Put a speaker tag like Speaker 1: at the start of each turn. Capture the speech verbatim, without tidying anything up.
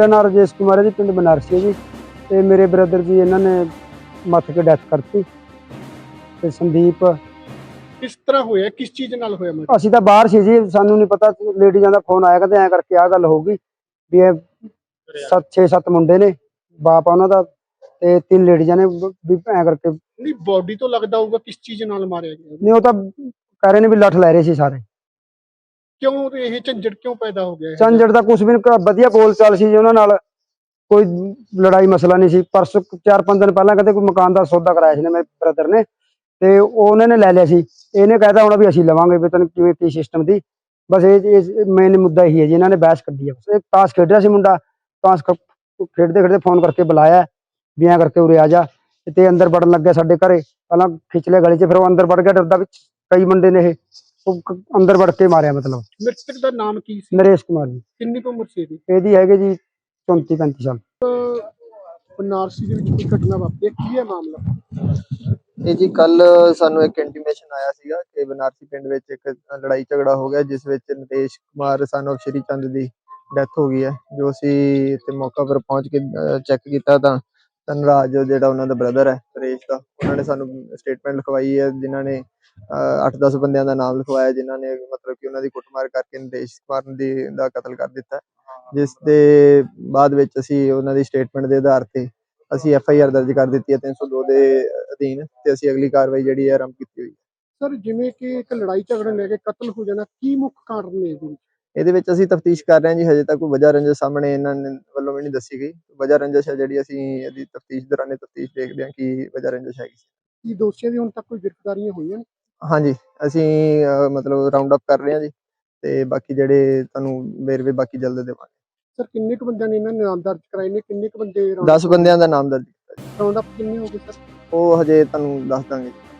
Speaker 1: मेरा नाम राजेश कुमार है जी, पिंड बनारसी है जी। ते मेरे ब्रदर जी इन्होंने मत के डैथ करती। ते संदीप
Speaker 2: किस तरह होया, किस चीज नाल होया मर्डर?
Speaker 1: असीं तां बाहर सी जी, सानू नहीं पता। लेडीज़ां दा फोन आया कहंदे ऐ करके आ गल होगी भी ये सत्त छे सत्त मुंडे ने, बाप आ उन्हां दा ते तीन लेडीज़ां ने भी ऐ करके।
Speaker 2: नहीं बॉडी तो लगदा होगा किस चीज नाल मारिया गया,
Speaker 1: नहीं, वो तां कह रहे ने भी लठ लै रहे सी सारे।
Speaker 2: क्यों ये झंझट क्यों पैदा हो गया है?
Speaker 1: झंझट तां कुछ भी नहीं, वधिया बोल चाल सी जी उन्हां नाल, कोई लड़ाई मसला नहीं सी। परसों चार पांच दिन पहला कहते कोई मकान का सौदा कराया सी मेरे ब्रदर ने, ते उन्होंने ने लै लिया सी। इहने कहता होना भी असीं लवांगे, भी तैनूं किवें की सिस्टम दी। बस ये मेन मुद्दा यही है जी, इन्होंने ने बहस कड्ढी है। बस ताश खेड रहा सी मुंडा, ताश खेडते खेडते फोन करके बुलाया भी ऐ करके उरे आ जा। ते अंदर वड़न लग गया साडे घरे, पहलां खिच लिया गली च, फिर वो अंदर वड़ गया डरदा भी कई मुंडे ने ये, वो अंदर वड़ के मारिया। मतलब
Speaker 2: मृतक दा नाम की सी?
Speaker 1: नरेश कुमार जी।
Speaker 2: किन्नी कुछ उम्र सी?
Speaker 1: ਇਹਦੀ ਹੈਗੇ ਜੀ चौंती पैंती साल।
Speaker 2: बनारसी ਦੇ ਵਿੱਚ ਕੋਈ ਘਟਨਾ ਵਾਪਰੀ ਹੈ, ਕੀ ਹੈ ਮਾਮਲਾ?
Speaker 3: ਇਹ ਜੀ ਕੱਲ ਸਾਨੂੰ ਇੱਕ ਇੰਟੀਮੇਸ਼ਨ ਆਇਆ ਸੀਗਾ ਕਿ ਬਨਾਰਸੀ ਪਿੰਡ ਵਿੱਚ ਇੱਕ ਲੜਾਈ ਝਗੜਾ ਹੋ ਗਿਆ, ਜਿਸ ਵਿੱਚ ਨਿਤੇਸ਼ ਕੁਮਾਰ ਸਨ ਆਫ ਸ਼੍ਰੀ ਚੰਦ ਦੀ ਡੈਥ ਹੋ ਗਈ ਹੈ। ਜੋ ਅਸੀਂ ਇੱਥੇ ਮੌਕਾ ਪਰ ਪਹੁੰਚ ਕੇ ਚੈੱਕ ਕੀਤਾ ਤਾਂ ਧਨਰਾਜ ਜਿਹੜਾ ਉਹਨਾਂ ਦਾ ਬ੍ਰਦਰ ਹੈ ਸੁਰੇਸ਼ ਦਾ, ਉਹਨਾਂ ਨੇ ਸਾਨੂੰ ਸਟੇਟਮੈਂਟ ਲਿਖਵਾਈ ਹੈ, ਜਿਨ੍ਹਾਂ ਨੇ ਅੱਠ ਦਸ ਬੰਦਿਆਂ ਦਾ ਨਾਮ ਲਿਖਵਾਇਆ, ਜਿਨ੍ਹਾਂ ਨੇ ਮਤਲਬ ਕਿ ਉਹਨਾਂ ਦੀ ਕੁੱਟਮਾਰ ਕਰਕੇ ਨਿਤੇਸ਼ ਕੁਮਾਰ ਦੀ ਦਾ ਕਤਲ ਕਰ ਦਿੱਤਾ। ਜਿਸ ਦੇ ਬਾਅਦ ਵਿੱਚ ਅਸੀਂ ਉਹਨਾਂ ਦੀ ਸਟੇਟਮੈਂਟ ਦੇ ਆਧਾਰ ਤੇ ਅਸੀਂ ਐਫ ਆਈ ਆਰ ਦਰਜ ਕਰ ਦਿੱਤੀ ਹੈ ਤਿੰਨ ਸੌ ਦੋ ਦੇ ਅਧੀਨ, ਤੇ ਅਸੀਂ ਅਗਲੀ ਕਾਰਵਾਈ ਜਿਹੜੀ ਹੈ ਆਰੰਭ ਕੀਤੀ ਹੋਈ ਹੈ।
Speaker 2: ਸਰ ਜਿਵੇਂ ਕਿ ਇੱਕ ਲੜਾਈ ਝਗੜਾ ਲੈ ਕੇ ਕਤਲ ਹੋ ਜਾਣਾ, ਕੀ ਮੁੱਖ ਕਾਰਨ ਨੇ ਇਹਦੇ ਵਿੱਚ?
Speaker 3: ਇਹਦੇ ਵਿੱਚ ਅਸੀਂ ਤਫਤੀਸ਼ ਕਰ ਰਹੇ ਹਾਂ ਜੀ, ਹਜੇ ਤੱਕ ਕੋਈ ਵਜ੍ਹਾ ਰੰਜਿਸ਼ ਸਾਹਮਣੇ ਇਹਨਾਂ ਨੇ ਵੱਲੋਂ ਵੀ ਨਹੀਂ ਦੱਸੀ ਗਈ। ਵਜ੍ਹਾ ਰੰਜਿਸ਼ ਹੈ ਜਿਹੜੀ ਅਸੀਂ ਇਹਦੀ ਤਫਤੀਸ਼ ਦੌਰਾਨੇ ਤਫਤੀਸ਼ ਦੇਖਦੇ ਹਾਂ ਕਿ ਵਜ੍ਹਾ ਰੰਜਿਸ਼ ਹੈਗੀ।
Speaker 2: ਕੀ ਦੋਸ਼ੀਆਂ ਦੀ ਹੁਣ ਤੱਕ ਕੋਈ ਗ੍ਰਿਫਤਾਰੀਆਂ ਹੋਈਆਂ ਨੇ?
Speaker 3: ਹਾਂਜੀ, ਅਸੀਂ ਮਤਲਬ ਰਾਉਂਡ ਅਪ ਕਰ ਰਹੇ ਹਾਂ ਜੀ, ਤੇ ਬਾਕੀ ਜਿਹੜੇ ਤੁਹਾਨੂੰ ਵੇਰਵੇ ਬਾਕੀ ਜਲਦ ਦੇਵਾਂਗੇ।
Speaker 2: ਸਰ ਕਿੰਨੇ ਕੁ ਬੰਦਿਆਂ ਨੇ ਇਹਨਾਂ ਨੇ ਨਾਮ ਦਰਜ ਕਰਾਏ ਨੇ, ਕਿੰਨੇ ਕੁ ਬੰਦੇ
Speaker 3: ਦਸ ਬੰਦਿਆਂ ਦਾ ਨਾਮ ਦਰਜ ਕੀਤਾ ਜੀ।
Speaker 2: ਰਾਉਂਡ ਅਪ ਕਿੰਨੇ ਹੋ ਗਏ ਸਰ?
Speaker 3: ਉਹ ਹਜੇ ਤੁਹਾਨੂੰ ਦੱਸ ਦਾਂਗੇ।